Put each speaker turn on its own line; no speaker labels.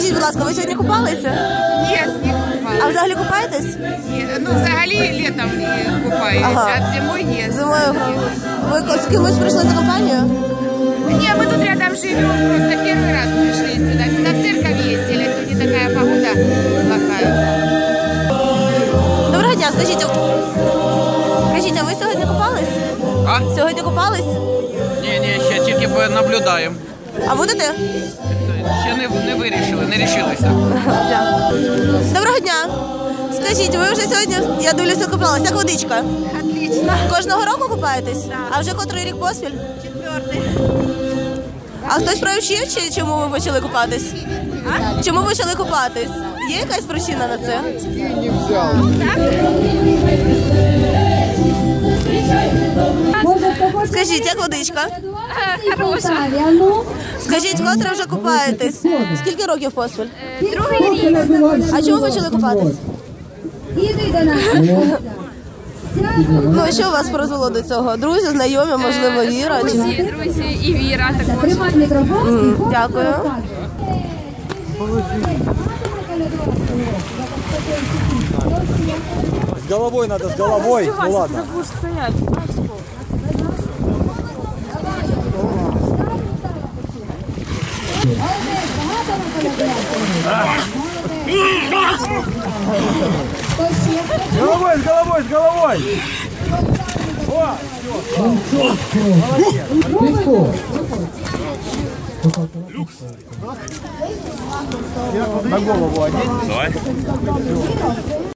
Скажіть, будь ласка, ви сьогодні купалися?
Ні, не купалася.
А взагалі купаєтесь?
Ну, взагалі літом не купаюся, а зимою ні.
Зимою. Ви з кимось прийшли за компанію?
Ні, ми тут рядом живемо, просто перший раз прийшли сюди. Сюди в церковь їздили, сьогодні така погода плохая.
Доброго дня, скажіть, а ви сьогодні купались?
А?
Сьогодні купались?
Ні, ще тільки наблюдаємо.
А будете?
Ще не вирішили, не рішилися.
Доброго дня. Скажіть, ви вже сьогодні, я дивлюся, купалась. Як водичка?
Отлично.
Кожного року купаєтесь? А вже котрий рік поспіль?
Четвертий.
А хтось привчив, чи чому ви почали купатись? Чому почали купатись? Є якась причина на це?
Не взял.
Скажіть, як водичка?
Хороша.
Скажіть, котре вже купаєтесь? Скільки років поспіль?
Другий рік.
А чому почали купатись? Ну, що вас призвело до цього? Друзі, знайомі, можливо, Віра?
Друзі і Віра також.
Дякую.
С головой надо, с головой. Ну ладно. С головой, с головой. О, Люкс. На голову одеть. Давай.